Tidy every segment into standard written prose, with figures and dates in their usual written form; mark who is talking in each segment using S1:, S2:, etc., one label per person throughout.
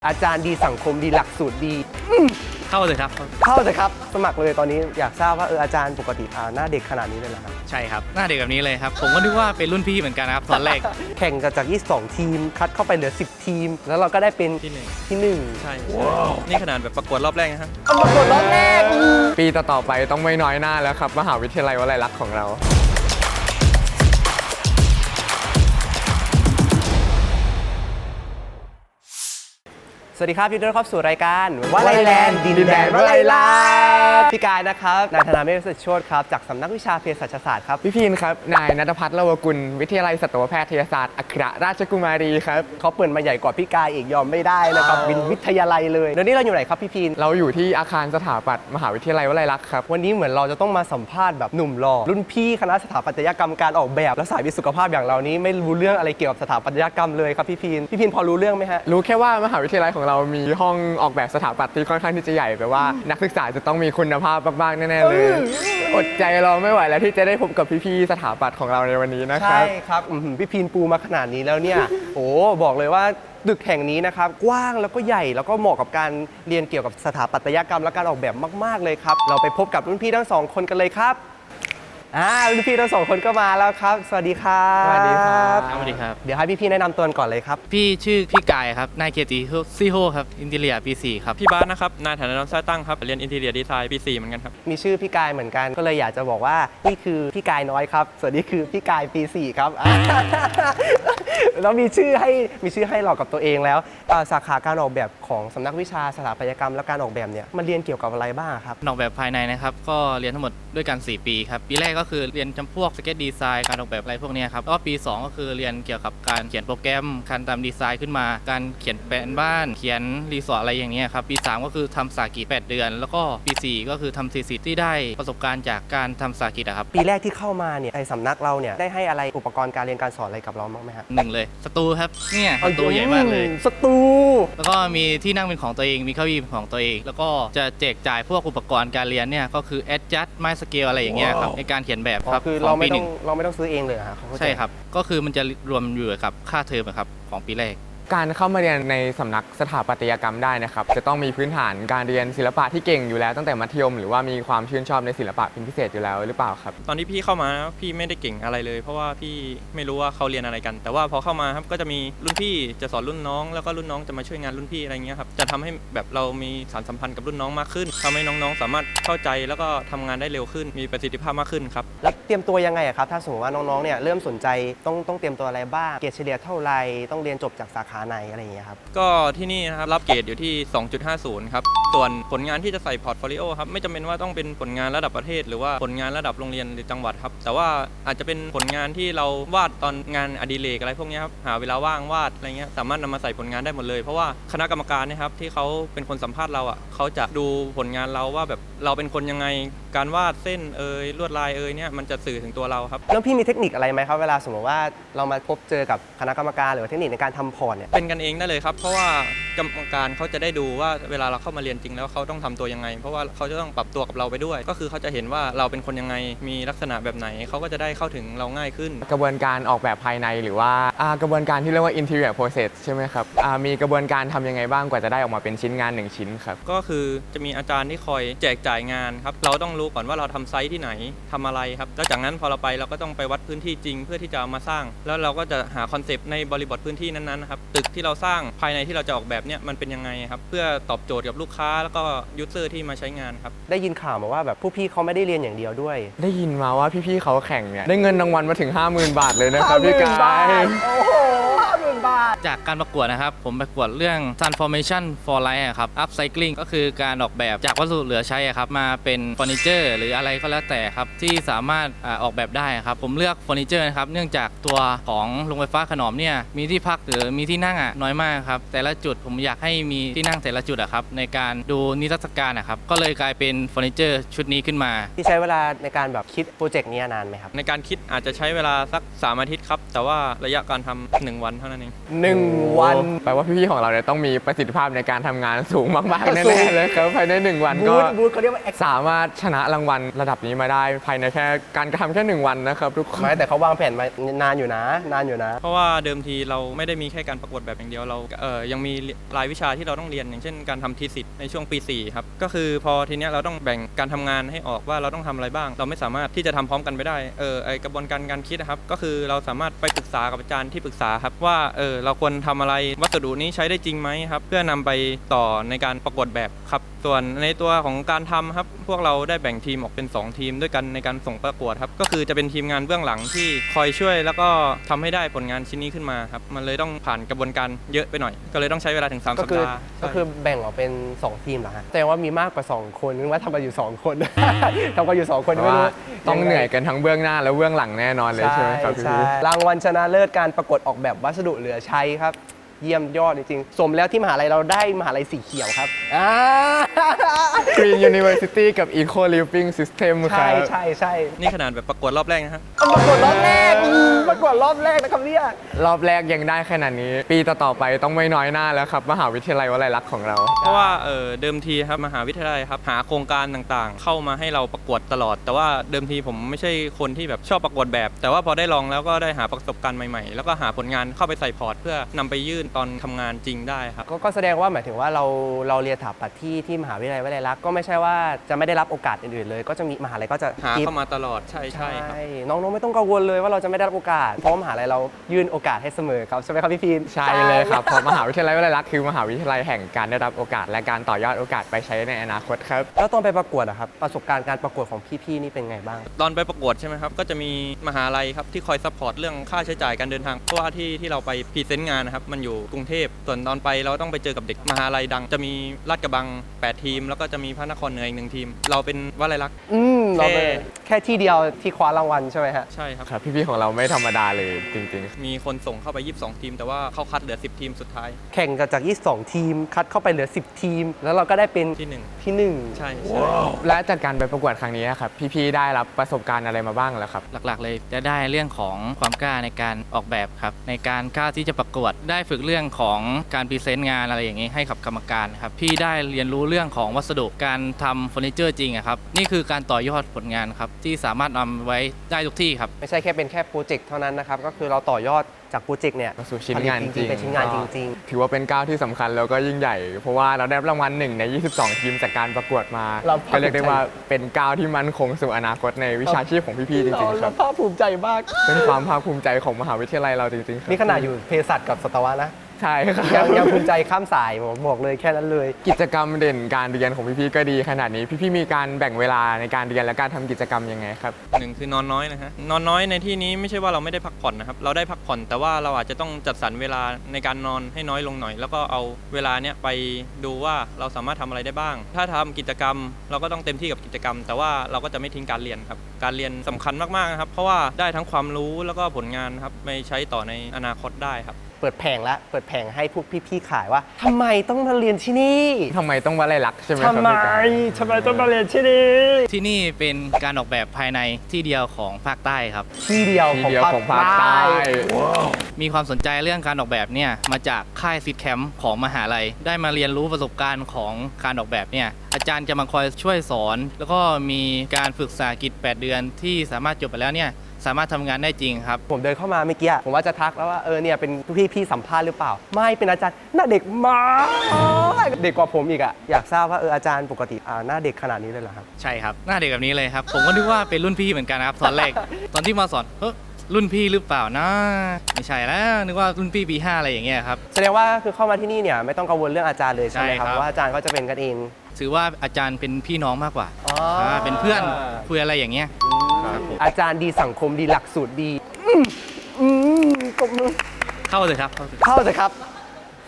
S1: อาจารย์ดีสังคมดีหลักสูตรดี
S2: เข้าเลยครับ
S1: เข้าเลยครับสมัครเลยตอนนี้อยากทราบว่าอาจารย์ปกติหน้าเด็กขนาดนี้เลยเหรอครับ
S2: ใช่ครับหน้าเด็กแบบนี้เลยครับผมก็นึกว่าเป็นรุ่นพี่เหมือนกันนะครับตอนแรก
S1: แข่งจาก22ทีมคัดเข้าไปเหลือ10ทีมแล้วเราก็ได้เป็นที่หนึ่ง
S3: ใช่นี่ขนาดแบบประกวดรอบแรกนะครับ
S1: ประกวดรอบแรก
S4: ปีต่อๆไปต้องไม่น้อยหน้าแล้วครับมหาวิทยาลัยวลัยลักษณ์ของเรา
S1: สวัสดีครับยินดีต้อนรับสู่รายการวลัยแลนด์ดินแดนวลัยลักษณ์พี่กายนะครับนายธนาเมฆสุทธิโชติครับจากสำนักวิชาเภสัชศาสตร์ครับ
S4: พี่พีนครับนายณัฐพัฒน์เลวกุลวิทยาลัยสัตวแพทยศาสตร์อัครราชกุมารีครับ
S1: เขาเปิดมาใหญ่กว่าพี่กายอีกยอมไม่ได้นะครับวิทยาลัยเลยเดี๋ยวนี้เราอยู่ไหนครับพี่พีน
S4: เราอยู่ที่อาคารสถาปัตย์มหาวิทยาลัยวลัยลักษณ์ครับ
S1: วันนี้เหมือนเราจะต้องมาสัมภาษณ์แบบหนุ่มหล่อรุ่นพี่คณะสถาปัตยกรรมการออกแบบและสายวิทย์สุขภาพอย่างเรานี้ไม่รู้เรื่องอะไรเกี่ยวกับสถาปัตยกรรมเลยครับพี่พีนพอรู้เรื่องไหมฮะ
S4: รู้แค่ว่ามหาวิทยาลัยของเรามีห้องออกแบบสถาปัตย์ที่ค่อนข้างที่จะใหญ่แปลว่านักศึกษาจะต้องมีคุณภาพมากๆแน่ๆเลยอดใจรอไม่ไหวแล้วที่จะได้พบกับพี่ๆสถาปัตย์ของเราในวันนี้นะครับ
S1: ใช่ครับพี่พีนปูมาขนาดนี้แล้วเนี่ยโอ้บอกเลยว่าตึกแห่งนี้นะครับกว้างแล้วก็ใหญ่แล้วก็เหมาะกับการเรียนเกี่ยวกับสถาปัตยกรรมและการออกแบบมากๆเลยครับเราไปพบกับรุ่นพี่ทั้งสองคนกันเลยครับรุ่นพี่ทั้งสองคนก็มาแล้วครับสวัสดีครับ
S4: สวัสดีครับ
S2: สวัสดีครับ
S1: เดี๋ยวให้พี่ๆแนะนำตัวก่อนเลยครับ
S2: พี่ชื่อพี่กายครับนายเกียรติซีโฮครับอินเทียปี4ครับ
S3: พี่บาสนะครับนายฐานะน้อมสร้างตั้งครับเรียนอินทีเรียดีไซน์ปี4เหมือนกันครับ
S1: มีชื่อพี่กายเหมือนกันก็เลยอยากจะบอกว่านี่คือพี่กายน้อยครับส่วนนี้คือพี่กายปี4ครับแล้วมีชื่อให้เรากับตัวเองแล้วสาขาการออกแบบของสำนักวิชาสถาปัตยกรรมและการออกแบบเนี่ยมันเรียนเกี่ยวกับอะไรบ้างครับ
S2: ออกแบบภายในนะครับก็เรียนทั้งหมดด้วยกัน4ปีครับปีแรกก็คือเรียนจำพวกสเก็ตดีไซน์การออกแบบอะไรพวกนี้ครับแล้วก็ปี2ก็คือเรียนเกี่ยวกับการเขียนโปรแกรมการทำดีไซน์ขึ้นมาการเขียนแผนบ้านเขียนรีสอร์ทอะไรอย่างเงี้ยครับปี3ก็คือทำสากิจ8เดือนแล้วก็ปี4ก็คือทำทีสิทธิ์ที่ได้ประสบการณ์จากการทำสากิจครับ
S1: ปีแรกที่เข้ามาเนี่ยไอ้สำนักเราเนี่ยได้ให้อะไรอุปกรณ์การเรียนการสอนอะไรกับเราบ้างไหมครับ
S2: 1เลยสตูครับเนี่ยสตูใหญ่มากเลย
S1: สตู
S2: แล้วก็มีที่นั่งเป็นของตัวเองมีเก้าอี้เป็นของตัวเองแล้วก็จะแจกจ่ายพวกอุปกรณ์การเรียนเนี่ยก็คือ adjust my scale อะไรอย่างเงี้ยครับในการเขียนแบบครับ
S1: คือเราไม่ต้องซื้อเองเลยครับ
S2: ใช่ครับก็คือมันจะรวมอยู่กับค่าเทอมครับของปีแรก
S4: การเข้ามาเรียนในสำนักสถาปัตยกรรมได้นะครับจะต้องมีพื้นฐานการเรียนศิลปะที่เก่งอยู่แล้วตั้งแต่มัธยมหรือว่ามีความชื่นชอบในศิลปะเป็นพิเศษอยู่แล้วหรือเปล่าครับ
S3: ตอนที่พี่เข้ามาพี่ไม่ได้เก่งอะไรเลยเพราะว่าพี่ไม่รู้ว่าเขาเรียนอะไรกันแต่ว่าพอเข้ามาครับก็จะมีรุ่นพี่จะสอนรุ่นน้องแล้วก็รุ่นน้องจะมาช่วยงานรุ่นพี่อะไรเงี้ยครับจะทำให้แบบเรามีสารสัมพันธ์กับรุ่นน้องมากขึ้นทำให้น้องๆสามารถเข้าใจแล้วก็ทำงานได้เร็วขึ้นมีประสิทธิภาพมากขึ้นครับ
S1: แล้วเตรียมตัวยังไงครับถ้าสมมติว่าน้องๆเนี่ยเริ่มสนใจต้องเตรียมตัวอะไรบ้างเกรดเฉลี่ยเท่าไรต้องเรียนจบจากสาขาไหนอะไรอย่างเงี้ยครับ
S3: ก็ที่นี่นะครับรับเกรดอยู่ที่ 2.50 ครับส่วนผลงานที่จะใส่พอร์ตโฟลิโอครับไม่จำเป็นว่าต้องเป็นผลงานระดับประเทศหรือว่าผลงานระดับโรงเรียนหรือจังหวัดครับแต่ว่าอาจจะเป็นผลงานที่เราวาดตอนงานอดิเรกอะไรพวกนี้ครับหาเวลาว่างวาดอะไรเงี้ยสามารถนำมาใส่ผลงานได้หมดเลยเพราะว่าคณะกรรมการนะครับที่เขาเป็นคนสัมภาษณ์เราเขาจะดูผลงานเราว่าแบบเราเป็นคนยังไงการวาดเส้นลวดลายเนี่ยมันจะสื่อถึงตัวเราครับ
S1: แล้วพี่มีเทคนิคอะไรไหมครับเวลาสมมติว่าเรามาพบเจอกับคณะกรรมการหรือเทคนิคในการทำพอร์ตเนี่ย
S3: เป็นกันเองได้เลยครับเพราะว่ากรรมการเขาจะได้ดูว่าเวลาเราเข้ามาเรียนจริงแล้วเขาต้องทำตัวยังไงเพราะว่าเขาจะต้องปรับตัวกับเราไปด้วยก็คือเขาจะเห็นว่าเราเป็นคนยังไงมีลักษณะแบบไหนเขาก็จะได้เข้าถึงเราง่ายขึ้น
S4: กระบวนการออกแบบภายในหรือว่ากระบวนการที่เรียกว่า interior process ใช่ไหมครับมีกระบวนการทำยังไงบ้างกว่าจะได้ออกมาเป็นชิ้นงาน1ชิ้นครับ
S3: ก็คือจะมีอาจารย์ที่คอยแจกจ่ายงานครับเราต้องรู้ก่อนว่าเราทำไซต์ที่ไหนทำอะไรครับแล้วจากนั้นพอเราไปเราก็ต้องไปวัดพื้นที่จริงเพื่อที่จะเอามาสร้างแล้วเราก็จะหาคอนเซปต์ในบริบทพื้นที่นั้นๆครับตึกที่เราสร้างภายในที่เราจะออกแบบเนี่ยมันเป็นยังไงครับเพื่อตอบโจทย์กับลูกค้าแล้วก็ยูเซอร์ที่มาใช้งานครับ
S1: ได้ยินข่าวมาว่าแบบผู้พี่เขาไม่ได้เรียนอย่างเดียวด้วย
S4: ได้ยินมาว่าพี่ๆเขาแข่งเนี่ยได้เงินรางวัลมาถึง 50,000 บาทเลยนะครับพี่กาย
S1: โอ้โห50,000 บาท
S2: จากการประกวดนะครับผมประกวดเรื่อง transformation for life ครับ upcycling ก็คือการออกแบบจากวัสดุเหลือใช้ครับมาเป็นเฟอร์นิเจอร์หรืออะไรก็แล้วแต่ครับที่สามารถออกแบบได้ครับผมเลือกเฟอร์นิเจอร์นะครับเนื่องจากตัวของโรงไฟฟ้าขนอมเนี่ยมีที่พักหรือมีที่นั่งน้อยมากครับแต่ละจุดผมอยากให้มีที่นั่งแต่ละจุดครับในการดูนิทรรศการนะครับก็เลยกลายเป็นเฟอร์นิเจอร์ชุดนี้ขึ้นมา
S1: ที่ใช้เวลาในการแบบคิดโปรเจกต์นี้นานไหมครับ
S3: ในการคิดอาจจะใช้เวลาสัก3 อาทิตย์ครับแต่ว่าระยะการทำ1 วันเท่านั้นเอง
S1: 1 วัน
S4: แปลว่าพี่ๆของเราเนี่ยต้องมีประสิทธิภาพในการทำงานสูงมากๆแน่ๆเลยครับภายใน1 วันก็
S1: บูธเขาเรียกว่า
S4: สามารถชนะรางวัลระดับนี้มาได้ภายในแค่การกระทำแค่1 วันนะครับทุกคน
S1: ไม่แต่เขาวางแผนมานานอยู่นะ นานอยู่นะ
S3: เพราะว่าเดิมทีเราไม่ได้มีแค่การประกวดแบบอย่างเดียวเรายังมีรายวิชาที่เราต้องเรียนอย่างเช่นการทำทีสิทธ์ในช่วงปี 4 ครับก็คือพอทีเนี้ยเราต้องแบ่งการทำงานให้ออกว่าเราต้องทำอะไรบ้าง เราไม่สามารถที่จะทำพร้อมกันไปได้ไอกระบวนการการคิดนะครับก็คือเราสามารถไปปรึกษากับอาจารย์ที่ปรึกษาครับว่าเราควรทำอะไรวัสดุนี้ใช้ได้จริงไหมครับเพื่อนำไปต่อในการประกวดแบบครับส่วนในตัวของการทำครับพวกเราได้แบ่งทีมออกเป็น2 ทีมด้วยกันในการส่งประกวดครับก็คือจะเป็นทีมงานเบื้องหลังที่คอยช่วยแล้วก็ทำให้ได้ผลงานชิ้นนี้ขึ้นมาครับมันเลยต้องผ่านกระบวนการเยอะไปหน่อย ก็เลยต้องใช้เวลาถึง3
S1: ก็
S3: สัป
S1: คือ
S3: ดาห์
S1: ก็คือแบ่งออกเป็น 2 ทีมเหรอฮะแสดงว่ามีมากกว่า 2 คนนึกว่าทำกันอยู่ 2 คน ทำกันอยู่ 2 คน
S4: เพ
S1: ไม่
S4: ราะว่า
S1: รู้
S4: ต้องเหนื่อยกันทั้งเบื้องหน้าและเบื้องหลังแน่นอนเลยใช่ไหมครับพี่
S1: ใช่รางวัลชนะเลิศการประกวดออกแบบวัสดุเหลือใช้ครับ เยี่ยมยอดจริงๆ สมแล้วที่มหาลัยเราได้มหาลัยสีเขียวครับ
S4: Green University กับ Eco Living System ค
S1: ใช่
S4: รับ
S1: ใช่ใช่
S3: นี่ขนาดแบบประกวดรอบแรกนะฮะ
S1: ประกวดรอบแรกประกวดรอบแรกนะครับเนี่ย
S4: รอบแรกยังได้ขนาดนี้ ปีต่อๆไปต้องไม่น้อยหน้าแล้วครับมหาวิทยาลัยวลัยลักษณ์ของเรา
S3: เพราะว่าเดิมทีครับมหาวิทยาลัยครับหาโครงการต่างๆ เข้ามาให้เราประกวดตลอด แต่ว่าเดิมทีผมไม่ใช่คนที่แบบชอบประกวดแบบ แต่ว่าพอได้ลองแล้วก็ได้หาประสบการณ์ใหม่ๆแล้วก็หาผลงานเข้าไปใส่พอร์ตเพื่อนำไปยื่นตอนทำงานจริงได้ครับ
S1: ก็แสดงว่าหมายถึงว่าเราเรียนสถาปัตย์ที่มหาวิทยาลัยวลัยลักษณ์ก็ไม่ใช่ว่าจะไม่ได้รับโอกาสอื่นๆเลย ก็จะมีมหาลัยก็จะ
S3: หา
S1: give
S3: เข้ามาตลอดใช่ครับ
S1: น้องๆไม่ต้องกังวลเลยว่าเราจะไม่ได้รับโอกาสเพราะมหาลัยเรายื่นโอกาสให้เสมอครับใช่ไหมครับพี่พีน
S4: ใช่เลยครับเพราะมหาวิทยาลัยวลัยลักษณ์คือมหาวิทยาลัยแห่งการได้รับโอกาสและการต่อยอดโอกาสไปใช้ในอนาคตครับ
S1: แล้วตอนไปประกวดอะครับประสบการณ์การประกวดของพี่ๆนี่เป็นไงบ้าง
S3: ตอนไปประกวดใช่ไหมครับก็จะมีมหาลัยครับที่คอยซัพพอร์ตเรื่องค่าใช้จ่ายการเดินทางเพราะว่าที่เราไปพรีเซนต์งานนะครับมันอยู่กรุงเทพส่วนตอนไปเราต้องไปเจอกับเด็กมหาลัยดังจะมีลาดกระบัง8 ทีม แล้วก็จะมีพระนครเหนืออีก1 ทีม เราเป็นวลัยลักษณ์
S1: เราเป็นแค่ที่เดียวที่คว้ารางวัลใช่ไหมฮะ
S3: ใช่ครับ
S4: ครับพี่ๆของเราไม่ธรรมดาเลยจริงๆ
S3: มีคนส่งเข้าไป22 ทีม แต่ว่าเขาคัดเหลือ10 ทีมสุดท้าย
S1: แข่งกันจาก22 ทีม คัดเข้าไปเหลือ 10 ทีม แล้วเราก็ได้เป็น
S3: ที่
S1: ที่
S3: 1 ใช่
S4: และจากการไปประกวดครั้งนี้ครับพี่ๆได้รับประสบการณ์อะไรมาบ้างแล้วครับ
S2: หลักๆเลยจะได้เรื่องของความกล้าในการออกแบบครับในการกล้าที่จะประกวดได้ฝึกเรื่องของการพรีเซนต์งานอะไรอย่างนี้ให้กับกรรมการครับพี่ได้เรียนรู้เรื่องของวัสดุการทำเฟอร์นิเจอร์จริงอะครับนี่คือการต่อยอดผลงานครับที่สามารถนำไว้ได้ทุกที่ครับ
S1: ไม่ใช่แค่เป็นแค่โปรเจกต์เท่านั้นนะครับ ก็คือเราต่อยอดจากโปรเจกต์เนี่ย
S4: มาสู่ชิ้นงานจริง
S1: เป็นชิ้นงานจริง
S4: ถือว่าเป็นก้าวที่สำคัญแล้วก็ยิ่งใหญ่ เพราะว่าเราได้รางวัล1 ใน 22 ทีมจากการประกวดมา
S1: เราภาคภูมิใจ
S4: ก็เรียกได้ว่าเป็นก้าวที่มั่นคงสู่อนาคตในวิชาชีพของพี่ๆจ
S1: ๆ
S4: ริงๆค
S1: เรา
S4: รับ
S1: ภาคภูมิใจมาก
S4: เป็นความภาคภูมิใจของมหาวิทยาลัยเราจริงๆครับ
S1: นี่ขนาดอยู่เภสัชกับสัตวะนะ
S4: ใช่ครั
S1: ยัง
S4: บ
S1: ภูมิใจข้ามสายผมบอกเลยแค่นั้นเลย
S4: กิจกรรมเด่นการเรียนของพี่ๆก็ดีขนาดนี้พี่ๆมีการแบ่งเวลาในการเรียนและการทำกิจกรรมยังไงครับ
S3: 1 คือนอนน้อยนะฮะนอนน้อยในที่นี้ไม่ใช่ว่าเราไม่ได้พักผ่อนนะครับเราได้พักผ่อนแต่ว่าเราอาจจะต้องจัดสรรเวลาในการนอนให้น้อยลงหน่อย แล้วก็เอาเวลาเนี้ยไปดูว่าเราสามารถทำอะไรได้บ้าง ถ้าทำกิจกรรมเราก็ต้องเต็มที่กับกิจกรรม แต่ว่าเราก็จะไม่ทิ้งการเรียนครับการเรียนสำคัญมากๆนะครับเพราะว่าได้ทั้งความรู้แล้วก็ผลงานครับไปใช้ต่อในอนาคตได้ครับ
S1: เปิดแผงแล้วเปิดแผงให้พวกพี่ๆขายว่าทำไมต้องมาเรียนที่นี่
S4: ทำไมต้องวลัยลักษณ์ใช่ไหมครับ
S1: ทำไม
S4: พี่การ
S1: ทำไมต้องมาเรียนที่นี่
S2: ที่นี่เป็นการออกแบบภายในที่เดียวของภาคใต้ครับ
S1: ที่เดียว
S4: ทีเดียวของภาคใต้
S2: มีความสนใจเรื่องการออกแบบเนี่ยมาจากค่ายซิดแคมป์ของมหาลัย ได้มาเรียนรู้ประสบการณ์ของการออกแบบเนี่ยอาจารย์จะมาคอยช่วยสอน แล้วก็มีการฝึกษากิจ 8 เดือนที่สามารถจบไปแล้วเนี่ยสามารถทำงานได้จริงครับ
S1: ผมเดินเข้ามาเมื่อกี้ผมว่าจะทักแล้วว่าเนี่ยเป็นพี่สัมภาษณ์หรือเปล่า ไม่เป็นอาจารย์หน้าเด็กมากเด็กกว่าผมอีกอะอยากทราบว่าอาจารย์ปกติหน้าเด็กขนาดนี้เลยเหรอครับ
S2: ใช่ครับหน้าเด็กแบบนี้เลยครับ ผมก็นึกว่าเป็นรุ่นพี่เหมือนกันนะครับตอนแรก ตอนที่มาสอนรุ่นพี่หรือเปล่านะไม่ใช่แล้วนึกว่ารุ่นพี่ปี 5อะไรอย่างเงี้ยครับ
S1: แสดงว่าคือเข้ามาที่นี่เนี่ยไม่ต้องกังวลเรื่องอาจารย์เลยใช่ไหมครับ
S2: ใช่ครับ
S1: เพราะว่าอาจารย์ก็จะเป็นกันเอง
S2: ถือว่าอาจารย์เป็นพี่น้องมากกว่า
S1: อ๋อ
S2: เป็นเพื่อนคุยอะไรอย่างเงี้ย ครับผม
S1: อาจารย์ดีสังคมดีหลักสูตรดีกบมือ
S2: เข้าเลยครับเข้าเลย
S1: เข้าเถอะครับ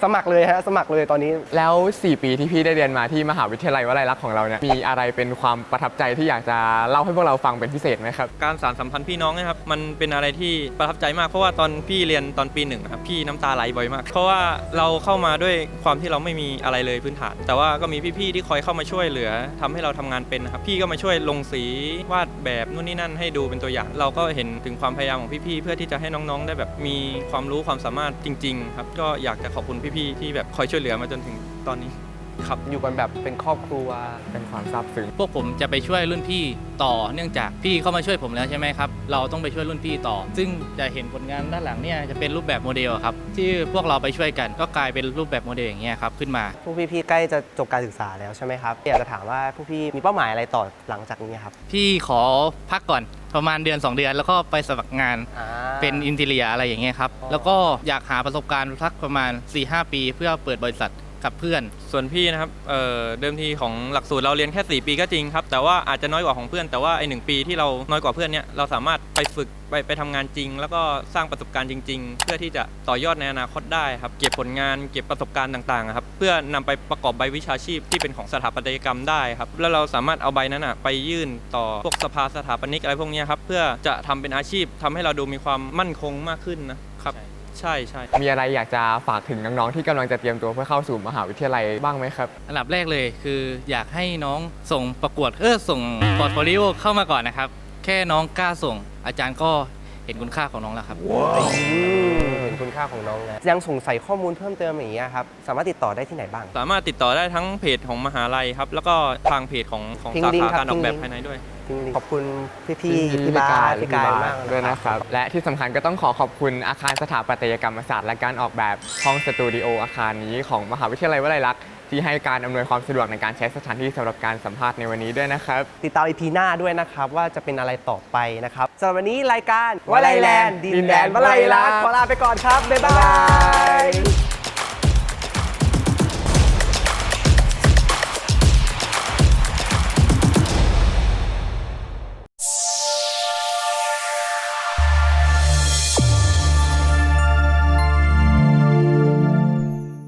S1: สมัครเลยฮะสมัครเลยตอนนี้
S4: แล้ว 4 ปีที่พี่ได้เรียนมาที่มหาวิทยาลัยวลัยลักษณ์ของเราเนี่ยมีอะไรเป็นความประทับใจที่อยากจะเล่าให้พวกเราฟังเป็นพิเศษไหมครับ
S3: การสานสัมพันธ์พี่น้องนะครับมันเป็นอะไรที่ประทับใจมากเพราะว่าตอนพี่เรียนตอนปีหนึ่งครับพี่น้ำตาไหลบ่อยมาก เพราะว่าเราเข้ามาด้วยความที่เราไม่มีอะไรเลยพื้นฐาน แต่ว่าก็มีพี่ๆที่คอยเข้ามาช่วยเหลือทำให้เราทำงานเป็นนะครับพี่ก็มาช่วยลงสีวาดแบบนู่นนี่นั่นให้ดูเป็นตัวอย่าง เราก็เห็นถึงความพยายามของพี่ๆเพื่อที่จะให้น้องๆได้แบบมีความรู้ความสามารถจริงๆครับก็อยากจะขอบคุณพี่ๆที่แบบคอยช่วยเหลือมาจนถึงตอนนี้ครับ
S1: อยู่กันแบบเป็นครอบครัว
S4: เป็นความซาบซึ้ง
S2: พวกผมจะไปช่วยรุ่นพี่ต่อเนื่องจากพี่เข้ามาช่วยผมแล้วใช่ไหมครับเราต้องไปช่วยรุ่นพี่ต่อ ซึ่งจะเห็นผลงานด้านหลังเนี่ยจะเป็นรูปแบบโมเดลครับที่พวกเราไปช่วยกันก็กลายเป็นรูปแบบโมเดลอย่างเงี้ยครับขึ้นมา
S1: พวกพี่ๆใกล้จะจบการศึกษาแล้วใช่ไหมครับอยากจะถามว่าพวกพี่มีเป้าหมายอะไรต่อหลังจากนี้ครับ
S2: พี่ขอพักก่อนประมาณเดือน 2 เดือนแล้วก็ไปสมัครงานเป็นอินทีเรียอะไรอย่างเงี้ยครับแล้วก็อยากหาประสบการณ์สักประมาณ 4-5 ปีเพื่อเปิดบริษัทกับเพื่อน ส่วนพี่นะครับเดิมทีของหลักสูตรเราเรียนแค่ 4 ปีก็จริงครับแต่ว่าอาจจะน้อยกว่าของเพื่อนแต่ว่าไอ้1 ปีที่เราน้อยกว่าเพื่อนเนี่ยเราสามารถไปฝึกไปทำงานจริง แล้วก็สร้างประสบการณ์จริง ๆ เพื่อที่จะต่อยอดในอนาคตได้ครับเก็บผลงานเก็บประสบการณ์ต่างๆครับเพื่อนำไปประกอบใบวิชาชีพที่เป็นของสถาปัตยกรรมได้ครับแล้วเราสามารถเอาใบนั้นไปยื่นต่อพวกสภาสถาปนิกอะไรพวกนี้ครับเพื่อจะทำเป็นอาชีพทำให้เราดูมีความมั่นคงมากขึ้นนะครับใช่
S4: มีอะไรอยากจะฝากถึงน้องๆที่กำลังจะเตรียมตัวเพื่อเข้าสู่มหาวิทยาลัยบ้างไหมครับ
S2: อันดับแรกเลยคืออยากให้น้องส่งประกวดส่งพอร์ตโฟลิโอเข้ามาก่อนนะครับแค่น้องกล้าส่งอาจารย์ก็เห็นคุณค่าของน้องแล้วครับ
S1: เห็นคุณค่าของน้องแล้วยังสงสัยข้อมูลเพิ่มเติมอย่างเงี้ยครับสามารถติดต่อได้ที่ไหนบ้าง
S3: สามารถติดต่อได้ทั้งเพจของมหาลัยครับแล้วก็ทางเพจของ
S1: ทิ้ง
S3: สา
S1: ลิงก์
S3: ขา
S1: ครับ
S3: การออกแบบ
S1: ทิ้งลิงก์
S3: ภายในด้วย
S1: ขอบคุณพี่ๆพี่บาสพี่กายมาก
S4: ด้วยนะครับ และที่สำคัญก็ต้องขอบคุณอาคารสถาปัตยกรรมศาสตร์และการออกแบบห้องสตูดิโออาคารนี้ของมหาวิทยาลัยวลัยลักษณ์ที่ให้การอำนวยความสะดวกในการใช้สถานที่สำหรับการสัมภาษณ์ในวันนี้ด้วยนะครับ
S1: ติดตาม EP หน้าด้วยนะครับว่าจะเป็นอะไรต่อไปนะครับสำหรับวันนี้รายการวลัยแลนด์ดินแดนวลัยลักษณ์ขอลาไปก่อนครับบ๊ายบาย